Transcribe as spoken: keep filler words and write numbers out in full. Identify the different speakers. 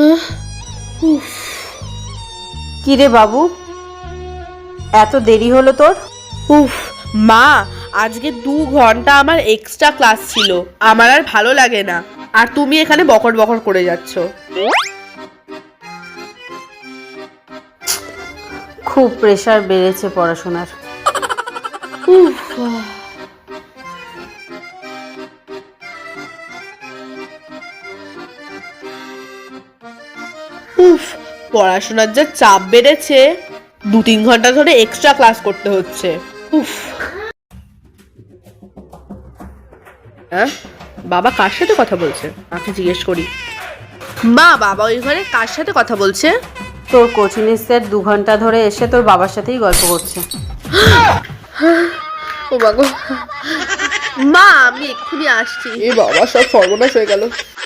Speaker 1: কিরে বাবু, এত দেরি হলো তোর?
Speaker 2: উফ মা, আজকে দু ঘন্টা আমার এক্সট্রা ক্লাস ছিল, আমার আর ভালো লাগে না। আর তুমি এখানে বকর বকর করে যাচ্ছ।
Speaker 1: খুব প্রেসার বেড়েছে পড়াশোনার।
Speaker 2: উফ উফ পড়াশোনার যা চাপ বেড়েছে, দু তিন ঘন্টা ধরে এক্সট্রা ক্লাস করতে হচ্ছে। উফ। হ্যাঁ, বাবা কার সাথে কথা বলছে? মাকে জিজ্ঞেস করি। মা, বাবা ওই ঘরে কার সাথে কথা বলছে?
Speaker 1: তোর কোচিংয়ের স্যার দু ঘন্টা ধরে এসে তোর বাবার সাথেই গল্প করছে।
Speaker 2: ও বাবা, মা আমি এক্ষুনি আসছি। এ বাবা, সব সর্বনাশ হয়ে গেল।